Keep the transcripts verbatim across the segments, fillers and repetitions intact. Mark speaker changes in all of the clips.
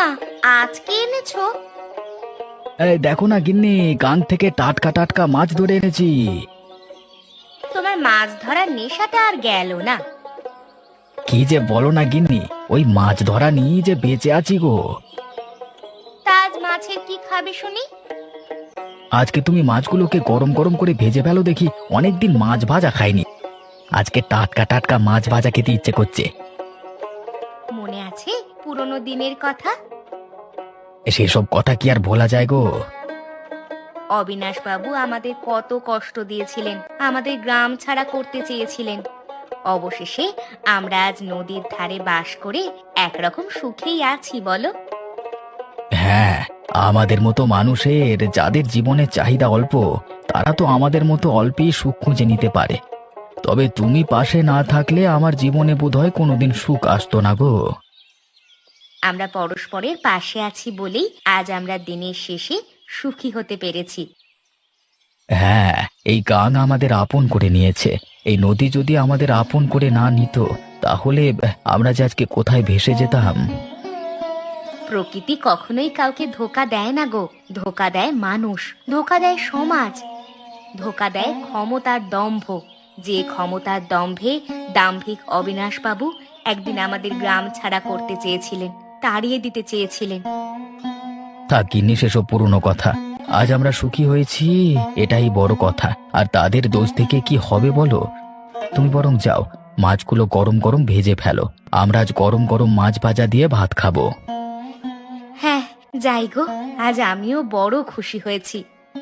Speaker 1: মা, আজকে এনেছো?
Speaker 2: এই দেখো না গিন্নি, গাং থেকে টাটকা টাটকা মাছ ধরে এনেছি।
Speaker 1: তোমার মাছ ধরার নেশাটা আর গেল না।
Speaker 2: কি যে বলো না গিন্নি, ওই মাছ ধরা নিয়ে যে বেঁচে আছি গো।
Speaker 1: তা আজ মাছের কি খাবে শুনি?
Speaker 2: আজকে তুমি মাছগুলোকে গরম গরম করে ভেজে ফেলো দেখি, অনেকদিন মাছ ভাজা খাইনি। আজকে টাটকা টাটকা মাছ ভাজা খেতে ইচ্ছে করছে।
Speaker 1: মনে আছে পুরনো দিনের কথা?
Speaker 2: সেসব কথা কি আর ভোলা যায় গো।
Speaker 1: অবিনাশ বাবু আমাদের কত কষ্ট দিয়েছিলেন, আমাদের গ্রাম ছাড়া করতে চেয়েছিলেন। অবশেষে আমরা আজ নদীর ধারে বাস করে একরকম সুখেই আছি বলো।
Speaker 2: হ্যাঁ, আমাদের মতো মানুষের যাদের জীবনের চাহিদা অল্প, তারা তো আমাদের মতো অল্পেই সুখ খুঁজে নিতে পারে। তবে তুমি পাশে না থাকলে আমার জীবনে বোধহয় কোনোদিন সুখ আসতো না গো।
Speaker 1: আমরা পরস্পরের পাশে আছি বলেই আজ আমরা দিনের শেষে সুখী হতে পেরেছি।
Speaker 2: হ্যাঁ, এই গাং আমাদের আপন করে নিয়েছে। এই নদী যদি আমাদের আপন করে না নিত, তাহলে আমরা যে আজকে কোথায় ভেসে যেতাম।
Speaker 1: প্রকৃতি কখনোই কাউকে ধোকা দেয় না গো। ধোকা দেয় মানুষ, ধোকা দেয় সমাজ, ধোকা দেয় ক্ষমতার দম্ভ। যে ক্ষমতার দম্ভে দাম্ভিক অবিনাশ বাবু একদিন আমাদের গ্রাম ছাড়া করতে চেয়েছিলেন, তাড়িয়ে দিতে চেয়েছিলেন।
Speaker 2: থাক গিন্নি, সেসব পুরনো কথা। আজ আমরা সুখী হয়েছি, এটাই বড় কথা। আর তাদের দোষ থেকে কি হবে বলো? তুমি বরং যাও, মাছগুলো গরম গরম ভেজে ফেলো। আমরা আজ গরম গরম মাছ ভাজা দিয়ে ভাত খাবো।
Speaker 1: হ্যাঁ, যাই গো, আজ আমিও বড় খুশি হয়েছি।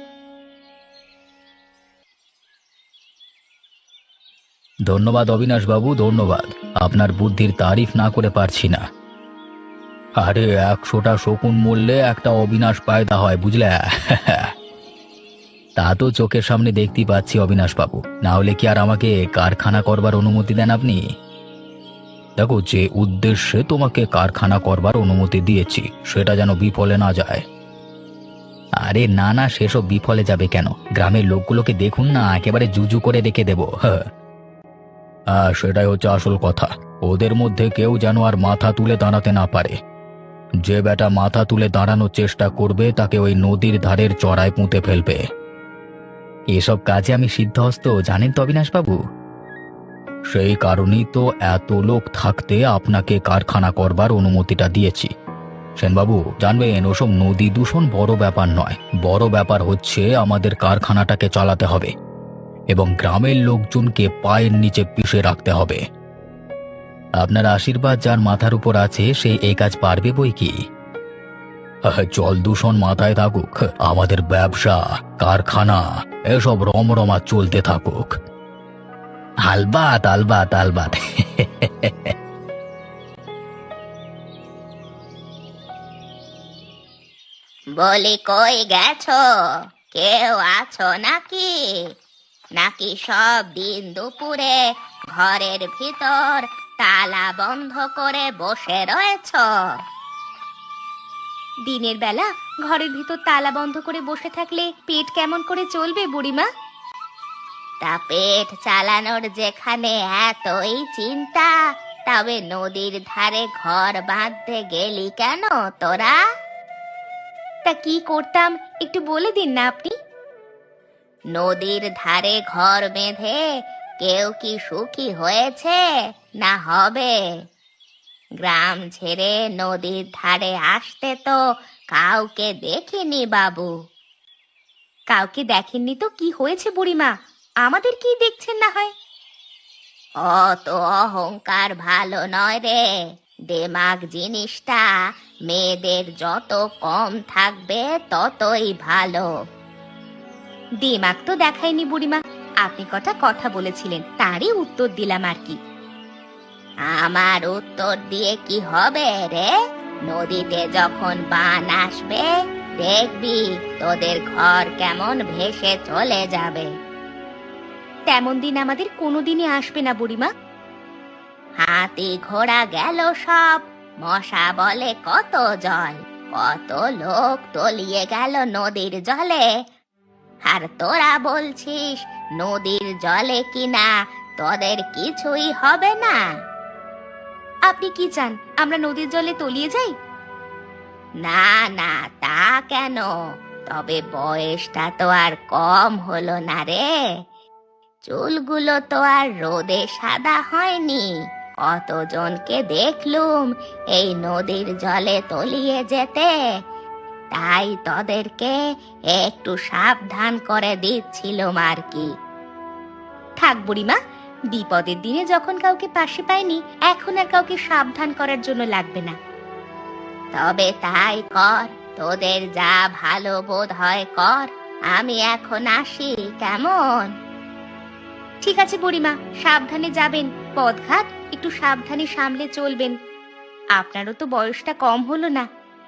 Speaker 2: ধন্যবাদ অবিনাশ বাবু, ধন্যবাদ। আপনার বুদ্ধির তারিফ না করে পারছি না। আরে একশোটা শকুন মূল্যে একটা অবিনাশ পায়দা হয়, বুঝলে? তা তো চোখের সামনে দেখতে পাচ্ছি অবিনাশ বাবু, না হলে কি আর আমাকে কারখানা করবার অনুমতি দেন আপনি? দেখো, যে উদ্দেশ্যে তোমাকে কারখানা করবার অনুমতি দিয়েছি সেটা যেন বিফলে না যায়। আরে না না, সেসব বিফলে যাবে কেন? গ্রামের লোকগুলোকে দেখুন না, একেবারে জুজু করে রেখে দেবো। হ্যাঁ, হ্যাঁ, সেটাই হচ্ছে আসল কথা। ওদের মধ্যে কেউ যেন আর মাথা তুলে দাঁড়াতে না পারে। যে বেটা মাথা তুলে দাঁড়ানোর চেষ্টা করবে তাকে ওই নদীর ধারের চড়ায় পুঁতে ফেলবে। এসব কাজে আমি সিদ্ধহস্ত, জানেন তো অবিনাশ বাবু। সেই কারণেই তো এত লোক থাকতে আপনাকে কারখানা করবার অনুমতিটা দিয়েছি। সেনবাবু জানবেন, ওসব নদী দূষণ বড় ব্যাপার নয়। বড় ব্যাপার হচ্ছে আমাদের কারখানাটাকে চালাতে হবে এবং গ্রামের লোকজনকে পায়ের নিচে পিষে রাখতে হবে। আপনার আশীর্বাদ যার মাথার উপর আছে সে এই কাজ পারবে বই কি। আহ, জল দূষণ মাথায় থাকুক, আমাদের ব্যবসা, কারখানা এসব রমরমা চলতে থাকুক। আলবাত আলবাত আলবাত।
Speaker 1: বলি কই গেছো? কেউ আছো নাকি? নাকি সব দিন দুপুরে ঘরের ভিতর তালা বন্ধ করে বসে রয়েছ? দিনের বেলা ঘরের ভিতর তালা বন্ধ করে বসে থাকলে পেট কেমন করে চলবে বুড়িমা? তা পেট চালানোর যেখানে এতই চিন্তা, তবে নদীর ধারে ঘর বাঁধতে গেলি কেন তোরা? তা কি করতাম একটু বলে দিন না আপনি। নদীর ধারে ঘর বেঁধে কেউ কি সুখী হয়েছে না হবে? গ্রাম ছেড়ে নদীর ধারে আসতে তো কাউকে দেখিনি বাবু। কাউকে দেখেননি তো কি হয়েছে বুড়িমা? আমাদের কি দেখছেন না হয়? অত অহংকার ভালো নয় রে। দেমাগ জিনিসটা মেয়েদের যত কম থাকবে ততই ভালো। দিমাগ তো দেখায়নি বুড়িমা, আপনি কটা কথা বলেছিলেন তারই উত্তর দিলাম আর কি। আমার উত্তর দিয়ে কি হবে রে? নদীতে যখন বান আসবে দেখবি তোদের ঘর কেমন ভেসে চলে যাবে। তেমন দিন আমাদের কোনোদিনই আসবে না বুড়িমা। হাতি ঘোড়া গেল সব, মশা বলে কত জল, কত লোক তলিয়ে গেল নদীর জলে। আর তোরা বলছিস নদীর জলে কিনা তোদের কিছুই হবে না। আপনি কি চান আমরা নদীর জলে তলিয়ে যাই? না না, তা কেন? তবে বয়সটা তো আর কম হলো না রে। চুলগুলো তো আর রোদে সাদা হয়নি। কতজনকে দেখলুম এই নদীর জলে তলিয়ে যেতে। তাই তোদেরকে একটু সাবধান করে দিচ্ছিলাম আর কি। থাক বুড়িমা, বিপদের দিনে যখন কাউকে পাশে পাইনি, এখন আর কাউকে সাবধান করার জন্য লাগবে না। তবে তাই কর, তোদের যা ভালো বোধ হয় কর। আমি এখন আসি, কেমন? ঠিক আছে বুড়িমা, সাবধানে যাবেন। পথঘাট একটু সাবধানে সামলে চলবেন। আপনারও তো বয়সটা কম হলো না।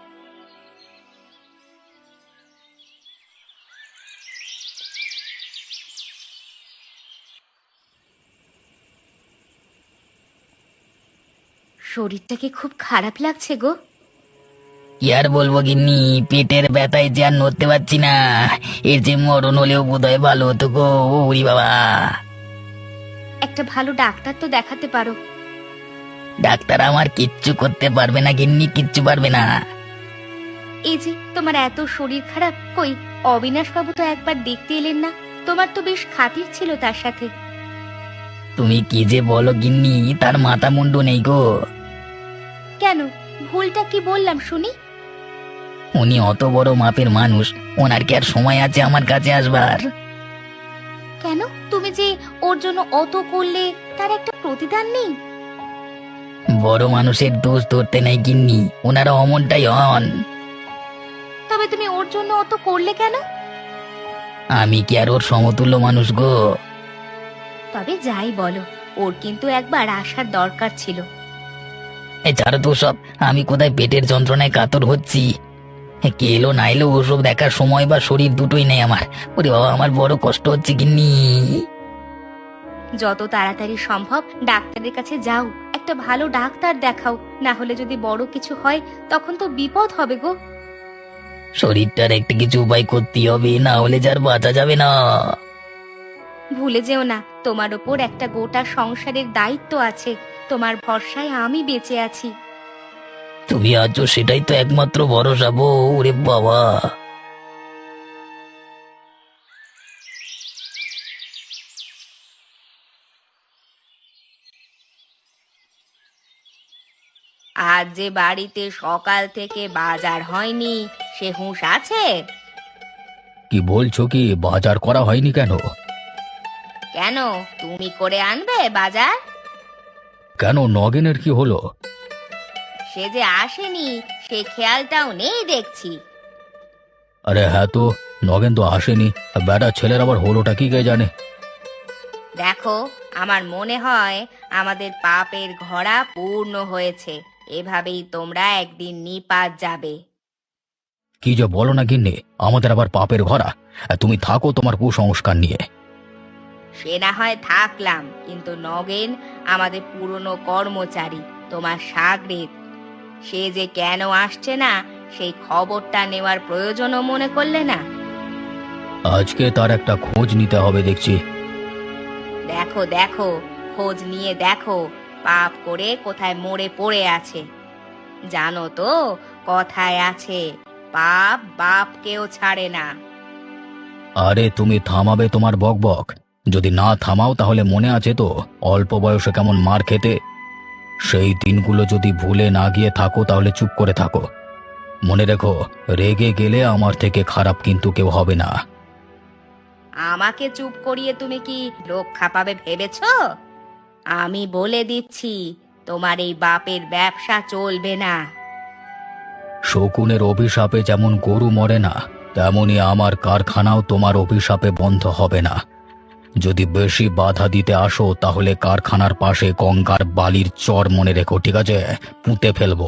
Speaker 1: শরীরটাকে খুব খারাপ লাগছে গো।
Speaker 3: কি আর বলবো গিন্নি, পেটের ব্যথায় যে আর নড়তে পারছি না। এর যে মরণ হলেও বোধহয় ভালো হতো গো। ওরি বাবা!
Speaker 1: একটা ভালো ডাক্তার তো দেখাতে পারো।
Speaker 3: ডাক্তার আমার কিচ্ছু করতে পারবে না গিন্নি, কিচ্ছু পারবে না।
Speaker 1: এই যে তোমার এত শরীর খারাপ, কই অবিনাশ বাবু তো একবার দেখতে এলেন না? তোমার তো বেশ খাতির ছিল তার সাথে।
Speaker 3: তুমি কি যে বলো গিন্নি, তার মাথা মুন্ডু নেই গো।
Speaker 1: কেন, ভুলটা কি বললাম শুনি?
Speaker 3: উনি অত বড় মাপের মানুষ, ওনার কি আর সময় আছে আমার কাছে আসবার?
Speaker 1: কেন, তুমি যে ওর জন্য অত করলে, তার একটা প্রতিদান নেই?
Speaker 3: বড় মানুষের দোষ ধরতে নেই গিন্নি, ওনারা অমনটাই হন।
Speaker 1: তবে তুমি ওর জন্য অত করলে কেন?
Speaker 3: আমি কি আর ওর সমতুল্য মানুষ গো?
Speaker 1: তবে যাই বলো, ওর কিন্তু একবার আসার দরকার ছিল।
Speaker 3: এ ছাড়ো তো সব, আমি কোথায় পেটের যন্ত্রণায় কাতর হচ্ছি। এ কে এলো না এলো ওসব দেখার সময় বা শরীর দুটোই নেই আমার। ওরে বাবা, আমার বড় কষ্ট হচ্ছে গিন্নি।
Speaker 1: যত তাড়াতাড়ি সম্ভব ডাক্তারের কাছে যাও, একটা ভালো ডাক্তার দেখাও। না হলে যদি বড় কিছু হয়, তখন তো বিপদ হবে গো।
Speaker 3: শরীরটার একটা কিছু উপায় করতেই হবে, না হলে যার বাঁচা যাবে না।
Speaker 1: ভুলে যেও না, তোমার ওপর একটা গোটা সংসারের দায়িত্ব আছে। তোমার ভরসায় আমি বেঁচে আছি।
Speaker 3: তুমি আছো সেটাই তো একমাত্র ভরসা বো। ওরে বাবা!
Speaker 1: আজ যে বাড়িতে সকাল থেকে বাজার হয়নি, সে হুঁশ আছে?
Speaker 2: কি বলছো, কি বাজার করা হয়নি কেন?
Speaker 1: কেন, তুমি করে আনবে বাজার?
Speaker 2: কেন, নগেনের কি হলো?
Speaker 1: সে যে আসেনি, সে খেয়ালটাও নেই দেখছি।
Speaker 2: আরে হ্যাঁ তো, নগেন তো আসেনি। বেটা ছেলের আবার হলোটা কি কে জানে।
Speaker 1: দেখো, আমার মনে হয় আমাদের পাপের ঘোড়া পূর্ণ হয়েছে। এভাবেই তোমরা একদিন নিপাত যাবে।
Speaker 2: কি যে বলো না গিন্নি, আমাদের আবার পাপের ঘরা। তুমি থাকো তোমার কুসংস্কার নিয়ে।
Speaker 1: সে না হয় থাকলাম, কিন্তু নগেন আমাদের পুরনো কর্মচারী, তোমার সাগরেদ। সে যে কেন আসছে না, সেই খবরটা নেওয়ার প্রয়োজনও মনে করলে না?
Speaker 2: আজকে তার একটা খোঁজ নিতে হবে দেখছি।
Speaker 1: দেখো দেখো, খোঁজ নিয়ে দেখো পাপ করে কোথায় মরে পড়ে আছে। জানো তো, কথায় আছে, পাপ বাপকেও ছাড়ে না।
Speaker 2: আরে তুমি থামাবে তোমার বকবক? যদি না থামাও তাহলে মনে আছে তো অল্প বয়সে কেমন মার খেতে? সেই দিনগুলো যদি ভুলে না গিয়ে থাকো তাহলে চুপ করে থাকো। মনে রেখো, রেগে গেলে আমার থেকে খারাপ কিন্তু কেউ হবে না।
Speaker 1: আমাকে চুপ করিয়ে তুমি কি রক্ষা পাবে ভেবেছো? আমি বলে দিচ্ছি, তোমার এই বাপের ব্যবসা চলবে না।
Speaker 2: শকুনের অভিশাপে যেমন গরু মরে না, তেমনি আমার কারখানাও তোমার অভিশাপে বন্ধ হবে না। যদি বেশি বাধা দিতে আসো তাহলে কারখানার পাশে গঙ্গার বালির চর মনে রেখো, ঠিক আছে? পুঁতে ফেলবো।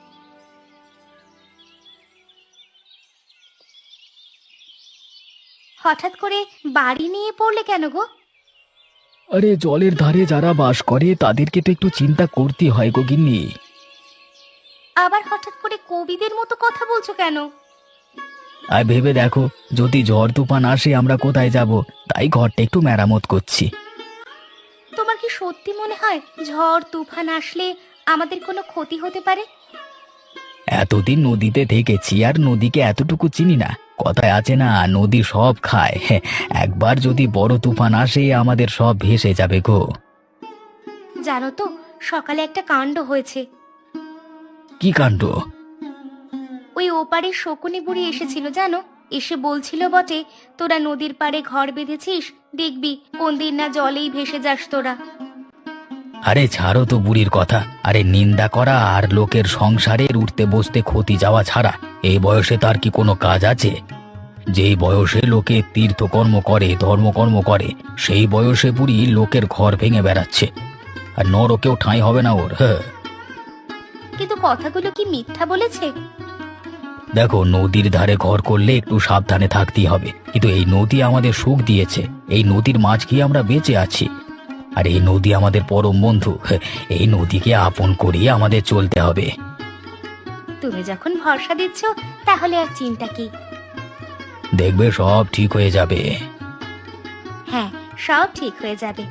Speaker 1: হঠাৎ করে বাড়ি নিয়ে পড়লে কেন গো?
Speaker 2: আরে জলের ধারে যারা বাস করে তাদেরকে তো একটু চিন্তা করতে হয় গো গিন্নি।
Speaker 1: আবার হঠাৎ করে কবিদের মতো কথা বলছো কেন?
Speaker 2: আর ভেবে দেখো, যদি ঝড় তুফান আসে আমরা কোথায় যাব? তাই ঘরটা একটু মেরামত করছি।
Speaker 1: তোমার কি সত্যি মনে হয় ঝড় তুফান আসলে আমাদের কোনো ক্ষতি হতে পারে?
Speaker 2: এতদিন নদীতে থেকেছি আর নদীকে এতটুকু চিনি না। কথায় আছে না, নদী সব খায়। হ্যাঁ, একবার যদি বড় তুফান আসে আমাদের সব ভেসে যাবে গো।
Speaker 1: জানো তো, সকালে একটা কাণ্ড হয়েছে।
Speaker 2: কি কাণ্ড?
Speaker 1: ওই ওপারের শকুনি বুড়ি এসেছিল জানো, এসে বলছিল বটে, তোরা নদীর পাড়ে ঘর বেঁধেছিস, দেখবি কোন দিন না জলেই ভেসে যাস তোরা।
Speaker 2: আরে ছাড়ো তো বুড়ির কথা। আরে নিন্দা করা আর লোকের সংসারের উঠতে বসতে ক্ষতি যাওয়া ছাড়া এই বয়সে তার কি কোনো কাজ আছে? যেই বয়সে লোকে তীর্থকর্ম করে, ধর্মকর্ম করে, সেই বয়সে বুড়ি লোকের ঘর ভেঙে বেড়াচ্ছে। আর নরকেও ঠাঁই হবে না ওর। হ্যাঁ,
Speaker 1: কিন্তু কথাগুলো কি মিথ্যা বলেছে?
Speaker 2: দেখো, নদীর ধারে ঘর করলে একটু সাবধানে থাকতেই হবে, কিন্তু এই নদী আমাদের সুখ দিয়েছে। এই নদীর মাছ খেয়ে আমরা বেঁচে আছি। আর এই নদী আমাদের পরম বন্ধু। হ্যাঁ, এই নদীকে আপন করিয়ে আমাদের চলতে হবে।
Speaker 1: তুমি যখন ভরসা দিচ্ছ, তাহলে আর চিন্তা কি?
Speaker 2: দেখবে সব ঠিক হয়ে যাবে।
Speaker 1: হ্যাঁ, সব ঠিক হয়ে যাবে।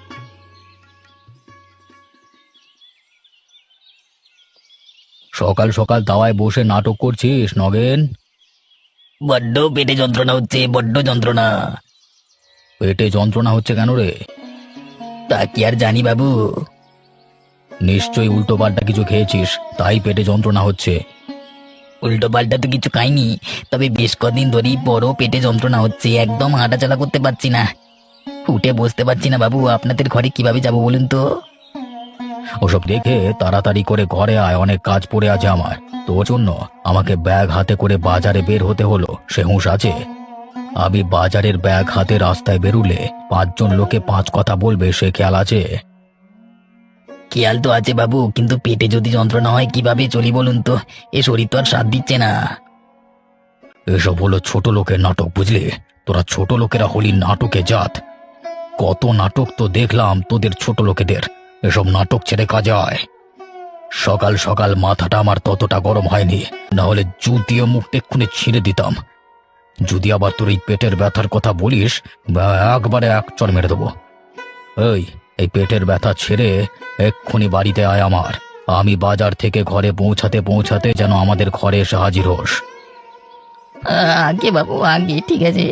Speaker 2: সকাল সকাল দাওয়ায় বসে নাটক করছিস নগেন?
Speaker 3: বড্ড পেটে যন্ত্রণা হচ্ছে, বড্ড যন্ত্রণা।
Speaker 2: পেটে যন্ত্রণা হচ্ছে কেন রে?
Speaker 3: তা কি আর জানি বাবু।
Speaker 2: নিশ্চয়ই উল্টো পাল্টা কিছু খেয়েছিস, তাই পেটে যন্ত্রণা হচ্ছে।
Speaker 3: উল্টো পাল্টা তো কিছু খাইনি, তবে বেশ কদিন ধরেই বড় পেটে যন্ত্রণা হচ্ছে, একদম হাঁটাচলা করতে পারছি না, উঠে বসতে পারছি না বাবু। আপনাদের ঘরে কিভাবে যাব বলুন তো?
Speaker 2: ওসব দেখে তাড়াতাড়ি করে ঘরে আয়, অনেক কাজ পড়ে আছে আমার। তোর জন্য আমাকে ব্যাগ হাতে করে বাজারে বের হতে হলো, সে হুঁশ আছে? আমি বাজারের ব্যাগ হাতে রাস্তায় বেরুলে পাঁচজন লোকে পাঁচ কথা বলবে, সে খেয়াল আছে?
Speaker 3: খেয়াল তো আছে বাবু, কিন্তু পেটে যদি যন্ত্রণা হয় কিভাবে চলি বলুন তো? এ শরীর তো আর সাথ দিচ্ছে না।
Speaker 2: এসব হলো ছোট লোকের নাটক, বুঝলি? তোরা ছোট লোকেরা হলি নাটকে জাত। কত নাটক তো দেখলাম তোদের ছোট লোকেদের। এসব নাটক ছেড়ে কাজে আয়। সকাল সকাল মাথাটা আমার ততটা গরম হয়নি, না হলে জুতিয়ে মুখটা এক্ষুনি ছিঁড়ে দিতাম। যদি আবার তোর এই পেটের ব্যথার কথা বলিস, বা একবারে এক চড় মেরে দেবো। এই এই পেটের ব্যথা ছেড়ে এক্ষুনি বাড়িতে আয় আমার। আমি বাজার থেকে ঘরে পৌঁছাতে পৌঁছাতে যেন আমাদের ঘরে এসে হাজির হোস।
Speaker 3: আগে বাবু, আগে, ঠিক আছে।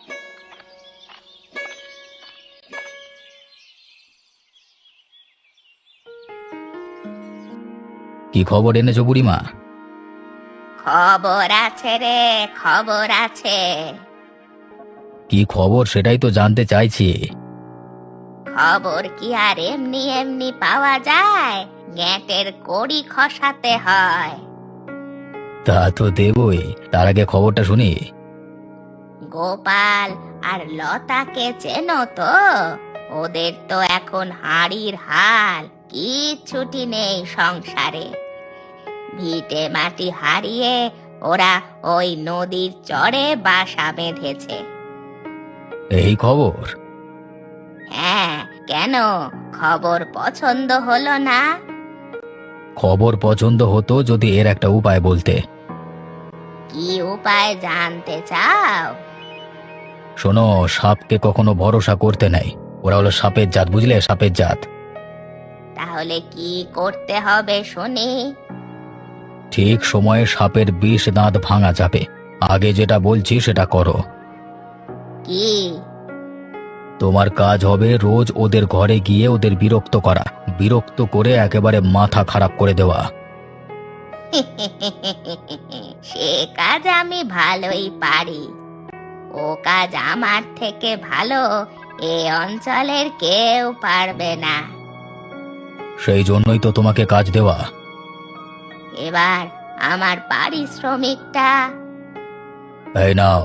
Speaker 2: কি খবর এনেছো বুড়িমা?
Speaker 1: খবর আছে রে, খবর আছে।
Speaker 2: কি খবর সেটাই তো জানতে চাইছি।
Speaker 1: খবর কি আর এমনি এমনি পাওয়া যায়? গ্যাঁটের কড়ি খসাতে হয়।
Speaker 2: তা তো দেবই, তার আগে খবরটা শুনি।
Speaker 1: গোপাল আর লতাকে চেনো তো? ওদের তো এখন হাঁড়ির হাল, কিচ্ছুটি নেই সংসারে। ভিটে মাটি হারিয়ে ওরা ওই নদীর চরে বাসা বেঁধেছে।
Speaker 2: এই খবর?
Speaker 1: হ্যাঁ, কেন, খবর পছন্দ হলো না?
Speaker 2: খবর পছন্দ হতো যদি এর একটা উপায় বলতে।
Speaker 1: কি উপায় জানতে চাও?
Speaker 2: শোনো, সাপকে কখনো ভরসা করতে নাই। ওরা হলো সাপের জাত, বুঝলে? সাপের জাত।
Speaker 1: তাহলে কি করতে হবে শুনি?
Speaker 2: ঠিক সময়ে সাপের বিষ দাঁত ভাঙা যাবে। আগে যেটা বলছি সেটা করো।
Speaker 1: কি?
Speaker 2: তোমার কাজ হবে রোজ ওদের ঘরে গিয়ে ওদের বিরক্ত করা, বিরক্ত করে একেবারে মাথা খারাপ করে দেওয়া।
Speaker 1: সে কাজ আমি ভালোই পারি। ও কাজ আমার থেকে ভালো এ অঞ্চলের কেউ পারবে না।
Speaker 2: সেই জন্যই তো তোমাকে কাজ দেওয়া।
Speaker 1: এবার আমার পারিশ্রমিকটা।
Speaker 2: এই নাও।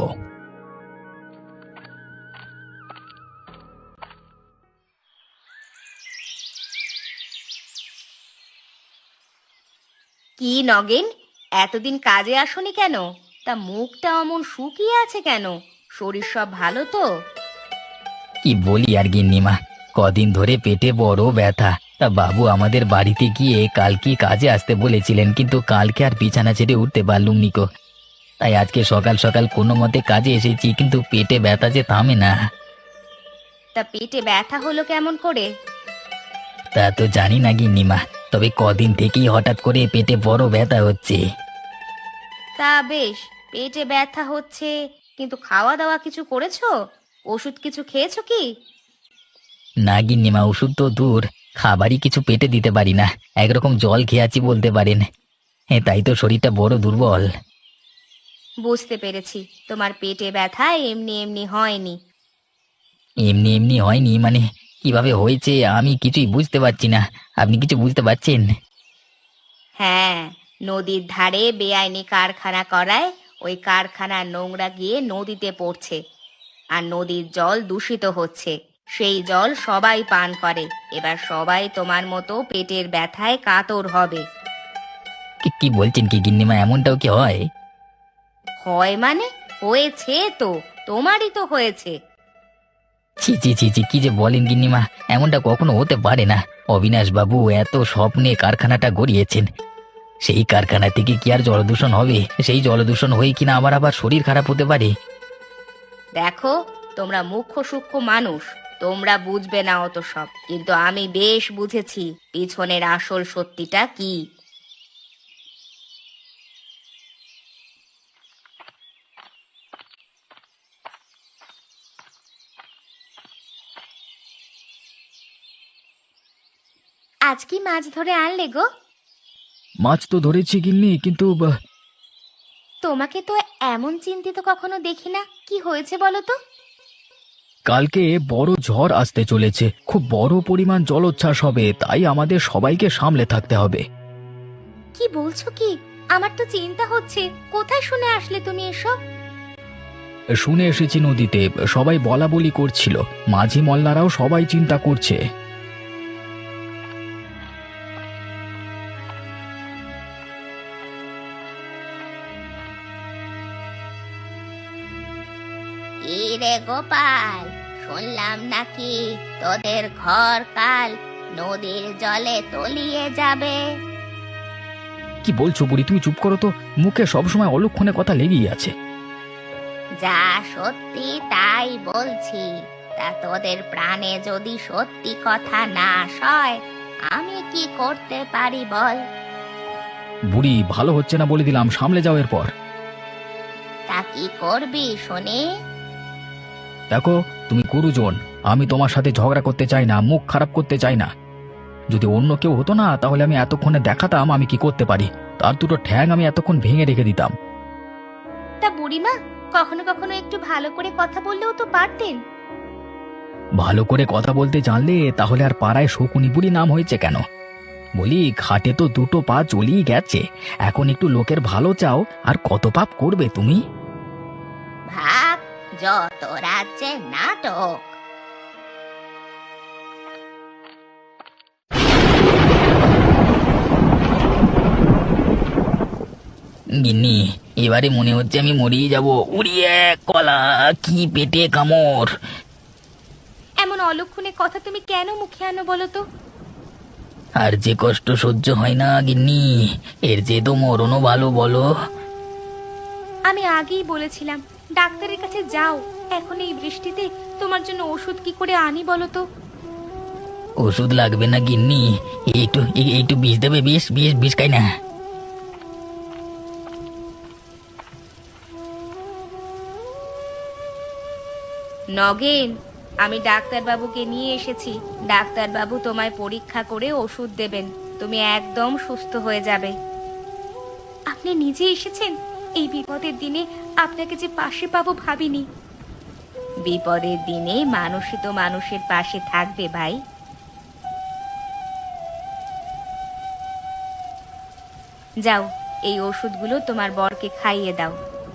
Speaker 1: কি নগেন, এতদিন কাজে আসনি কেন? তা মুখটা অমন শুকিয়ে আছে কেন? শরীর সব ভালো তো?
Speaker 3: কি বলি আর গিন্নিমা, কদিন ধরে পেটে বড় ব্যথা। তা বাবু আমাদের বাড়িতে গিয়ে কালকে কাজে আসতে বলেছিলেন, কিন্তু কালকে আর বিছানা ছেড়ে উঠতে পারলুম নিকো। তাই আজকে সকাল সকাল কোনো মতে কাজে এসেছি, কিন্তু পেটে ব্যথা যে থামে না।
Speaker 1: তা পেটে ব্যথা হলো কেমন করে?
Speaker 3: তা তো জানি না গিন্নিমা, তবে কদিন থেকেই হঠাৎ করে পেটে বড় ব্যথা হচ্ছে।
Speaker 1: তা বেশ, পেটে ব্যথা হচ্ছে কিন্তু খাওয়া দাওয়া কিছু করেছো? ওষুধ কিছু খেয়েছো কি?
Speaker 3: না গিন্নিমা, ওষুধ তো দূর, খাবারই কিছু পেটে দিতে পারি না। একরকম জল খেয়ে আছি বলতে পারেন। হ্যাঁ, তাই তো শরীরটা বড় দুর্বল।
Speaker 1: বুঝতে পেরেছি, তোমার পেটে ব্যথা এমনি এমনি হয়নি।
Speaker 3: এমনি এমনি হয়নি মানে? কিভাবে হয়েছে আমি কিছুই বুঝতে পারছি না। আপনি কিছু বুঝতে পারছেন?
Speaker 1: হ্যাঁ, নদীর ধারে বেআইনি কারখানা করায় ওই কারখানার নোংরা গিয়ে নদীতে পড়ছে, আর নদীর জল দূষিত হচ্ছে। সেই জল সবাই পান করে। এবার সবাই তোমার মতো পেটের ব্যথায় কাতর হবে।
Speaker 3: কি কি বলছেন কি গিন্নিমা, এমনটাও কি হয়?
Speaker 1: হয় মানে? হয়েছে তো, তোমারই তো হয়েছে।
Speaker 3: ছি ছি ছি ছি, কি যে বলেন গিন্নিমা, এমনটা কখনো হতে পারে না। অবিনাশ বাবু এত স্বপ্নে কারখানাটা গড়িয়েছেন, সেই কারখানা থেকে কি আর জলদূষণ হবে? সেই জলদূষণ হয়ে কিনা আমার আবার শরীর খারাপ হতে পারে।
Speaker 1: দেখো, তোমরা মুখ্য সূক্ষ্ম মানুষ, তোমরা বুঝবে না অত সব, কিন্তু আমি বেশ বুঝেছি পিছনের আসল সত্যিটা কি। আজ কি মাছ ধরে আনলে গো?
Speaker 2: মাছ তো ধরেছি গিন্নি, কিন্তু বা-
Speaker 1: তোমাকে তো এমন চিন্তিত কখনো দেখি না, কি হয়েছে বলো তো?
Speaker 2: কালকে বড় ঝড় আসতে চলেছে, খুব বড় পরিমাণ জলোচ্ছ্বাস হবে, তাই আমাদের সবাইকে সামলে থাকতে হবে।
Speaker 1: কি বলছো কি? আমার তো চিন্তা হচ্ছে। কোথায় শুনে আসলে তুমি এসব?
Speaker 2: শুনে এসেছি নদীতে, সবাই বলা বলি করছিল, মাঝি মল্লারাও সবাই চিন্তা করছে।
Speaker 1: কি রে গোপাল, শুনলাম নাকি তোদের ঘর কাল নদীর জলে তলিয়ে যাবে?
Speaker 2: কি বলছো বুড়ি, তুমি চুপ করো তো, মুখে সবসময় অলক্ষণে কথা লেগেই আছে।
Speaker 1: যা সত্যি তাই বলছি। তা তোদের প্রাণে যদি সত্যি কথা না সয়, আমি কি করতে পারি বল?
Speaker 2: বুড়ি, ভালো হচ্ছে না বলে দিলাম, সামলে যাও এরপর।
Speaker 1: তা কি করবি শুনি?
Speaker 2: দেখো, তুমি গুরুজন, আমি তোমার সাথে ঝগড়া করতে চাই না, মুখ খারাপ করতে চাই না। যদি অন্য কেউ হতো না, তাহলে আমি এতক্ষণে দেখাতাম আমি কি করতে পারি, তার দুটো ঠ্যাং আমি এতক্ষণ ভেঙে রেখে দিতাম।
Speaker 1: তা বুড়িমা, কখনো কখনো একটু ভালো করে কথা বললেও তো পারতেন।
Speaker 2: ভালো করে কথা বলতে জানলে তাহলে আর পাড়ায় শকুনি বুড়ি নাম হয়েছে কেন? বলি, ঘাটে তো দুটো পা চলিয়ে গেছে, এখন একটু লোকের ভালো চাও, আর কত পাপ করবে তুমি?
Speaker 1: ভাগ, যত রাজ্যে নাটক।
Speaker 3: গিন্নি, এবারে মনে হচ্ছে আমি মরিয়ে যাব। উড়িয়ে কলা, কি পেটে কামড়!
Speaker 1: এমন অলক্ষণে কথা তুমি কেন মুখে আনো বলো তো?
Speaker 3: আর যে কষ্ট সহ্য হয় না গিন্নি, এর যে তো মরণও ভালো, বলো।
Speaker 1: আমি আগেই বলেছিলাম ডাক্তারের কাছে যাও। এখন এই বৃষ্টিতে তোমার জন্য ওষুধ কি করে আনি বলো তো?
Speaker 3: ওষুধ লাগবে না গিন্নি, একটু এ- একটু বিষ দেবে, বিষ বিষ বিষ খাই না।
Speaker 1: নগেন, আমি ডাক্তারবাবুকে নিয়ে এসেছি। ডাক্তারবাবু তোমায় পরীক্ষা করে ওষুধ দেবেন, তুমি একদম সুস্থ হয়ে যাবে। আপনি নিজে এসেছেন? এই বিপদের দিনে আপনাকে যে পাশে পাবো ভাবিনি। বিপদের দিনে মানুষই তো মানুষের পাশে থাকবে ভাই। যাও, এই ওষুধগুলো তোমার বরকে খাইয়ে দাও।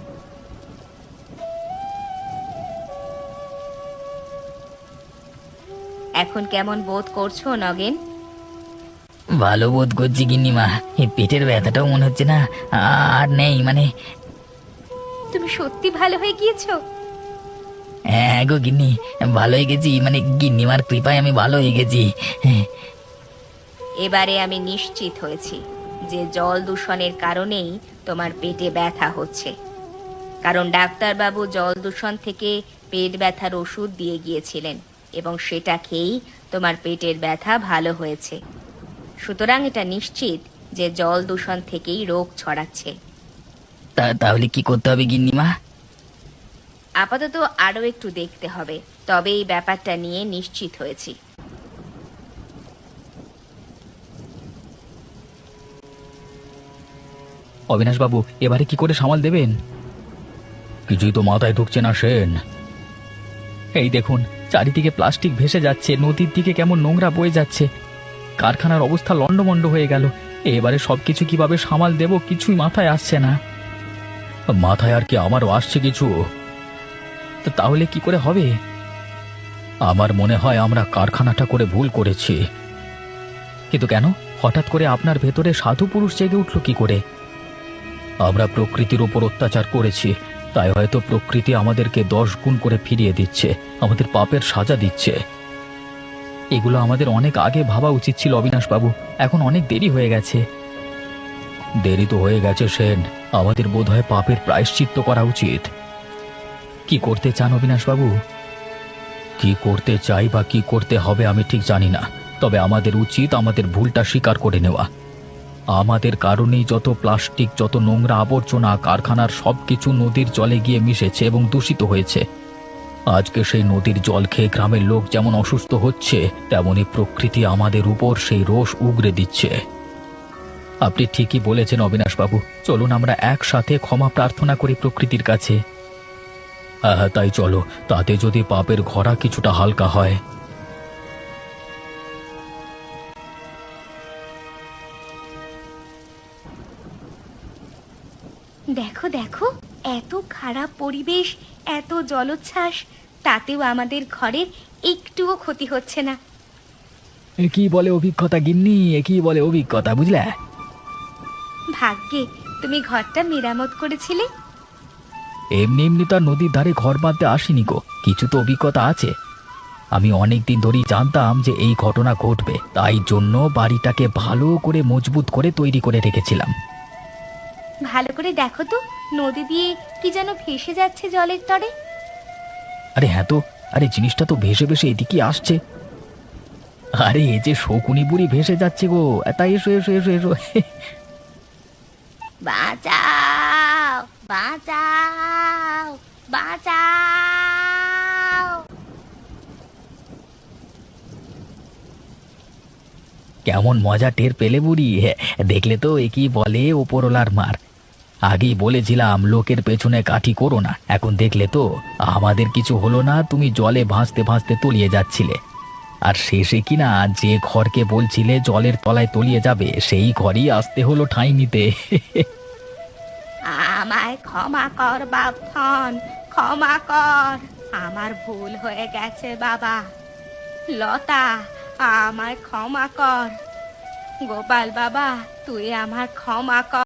Speaker 1: এখন কেমন বোধ করছো নগেন?
Speaker 3: ভালো বোধ করছি গিন্নিমা, এই পেটের ব্যথাটাও মনে হচ্ছে না আর নেই মানে।
Speaker 1: তুমি সত্যি ভালো হয়ে গিয়েছো?
Speaker 3: হ্যাঁ গো গিন্নি, ভালো হয়ে গেছি, মানে গিন্নিমার কৃপায় আমি ভালো হয়ে গেছি। হ্যাঁ।
Speaker 1: এবারে আমি নিশ্চিত হয়েছি যে জল দূষণের কারণেই তোমার পেটে ব্যথা হচ্ছে, কারণ ডাক্তারবাবু জল দূষণ থেকে পেট ব্যথার ওষুধ দিয়ে গিয়েছিলেন এবং সেটা খেয়েই তোমার পেটের ব্যথা ভালো হয়েছে। সুতরাং এটা নিশ্চিত যে জল দূষণ থেকেই রোগ ছড়াচ্ছে।
Speaker 3: তা তাহলে কি করতে হবে গিন্নিমা?
Speaker 1: আপাতত আরো একটু দেখতে হবে, তবে এই ব্যাপারটা নিয়ে নিশ্চিত হয়েছি।
Speaker 2: অবিনাশবাবু এবারে কি করে সামাল দেবেন? কিছুই তো মাথায় ঢুকছে না সেন। এই দেখুন, চারিদিকে প্লাস্টিক ভেসে যাচ্ছে, নদীর দিকে কেমন নোংরা বয়ে যাচ্ছে, কারখানার অবস্থা লন্ডভন্ড হয়ে গেল। এবারে সবকিছু কিভাবে সামাল দেব কিছুই মাথায় আসছে না। মাথায় আর কি আমারও আসছে কিছু। তো তাহলে কি করে হবে? আমার মনে হয় আমরা কারখানাটা করে ভুল করেছি। কিন্তু কেন হঠাৎ করে আপনার ভেতরে সাধু পুরুষ জেগে উঠল কি করে? আমরা প্রকৃতির ওপর অত্যাচার করেছি, তাই হয়তো প্রকৃতি আমাদেরকে দশ গুণ করে ফিরিয়ে দিচ্ছে, আমাদের পাপের সাজা দিচ্ছে। এগুলো আমাদের অনেক আগে ভাবা উচিত ছিল অবিনাশবাবু, এখন অনেক দেরি হয়ে গেছে। দেরি তো হয়ে গেছে সেন, আমাদের বোধহয় পাপের প্রায়শ্চিত্ত করা উচিত। কি করতে চান অবিনাশবাবু? কি করতে চাই বা কি করতে হবে আমি ঠিক জানি না, তবে আমাদের উচিত আমাদের ভুলটা স্বীকার করে নেওয়া। আমাদের কারণেই যত প্লাস্টিক, যত নোংরা আবর্জনা কারখানার সবকিছু নদীর জলে গিয়ে মিশেছে এবং দূষিত হয়েছে। আজকে সেই নদীর জল খেয়ে গ্রামের লোক যেমন অসুস্থ হচ্ছে, তেমনি প্রকৃতি আমাদের উপর সেই রোষ উগরে দিচ্ছে। আপনি ঠিকই বলেছেন অবিনাশবাবু, চলুন আমরা একসাথে ক্ষমা প্রার্থনা করি প্রকৃতির কাছে। হ্যাঁ হ্যাঁ তাই চলো, তাতে যদি পাপের ঘোড়া কিছুটা হালকা হয়।
Speaker 1: দেখো দেখো, এত খারাপ পরিবেশ, এত জলোচ্ছ্বাস, তাতেও আমাদের ঘরের একটুও ক্ষতি হচ্ছে না।
Speaker 2: এ কি বলে অভিজ্ঞতা গিন্নি, এ কি বলে অভিজ্ঞতা, বুঝলে?
Speaker 1: ভাগ্যে তুমি ঘরটা মেরামত করেছিলে।
Speaker 2: এমনি এমনি তো আর নদীর ধারে ঘর বাঁধতে আসিনি গো, কিছু তো অভিজ্ঞতা আছে। আমি অনেক দিন ধরেই জানতাম যে এই ঘটনা ঘটবে, তাই জন্য বাড়িটাকে ভালো করে মজবুত করে তৈরি করে রেখেছিলাম।
Speaker 1: ভালো করে দেখো তো, নদী দিয়ে কি যেন ভেসে যাচ্ছে জলের তরে।
Speaker 2: আরে হ্যাঁ তো, আরে জিনিসটা তো ভেসে ভেসে এদিকে আসছে। আরে এই যে শকুনি বুড়ি ভেসে যাচ্ছে গো, তাই এসো এসো এসো এসো।
Speaker 1: বাঁচাও, বাঁচাও, বাঁচাও।
Speaker 2: কেমন মজা টের পেলে বুড়ি, হ্যাঁ, দেখলে তো এ কি বলে ওপরওয়ালার মার। আগেই বলেছিলাম লোকের পেছনে কাঠি করো না, এখন দেখলে তো আমাদের কিছু হলো না, তুমি জলে ভাসতে ভাসতে তলিয়ে যাচ্ছিলে। আর শেষে কিনা যে ঘরকে বলছিলে জলের তলায় তলিয়ে যাবে, সেই ঘরই আসতে হলো ঠাঁই নিতে।
Speaker 1: আমায় ক্ষমা কর বাপন, ক্ষমা কর, আমার ভুল হয়ে গেছে বাবা। লতা, আমায় ক্ষমা কর। গোপাল বাবা, তুই আমার ক্ষমা কর।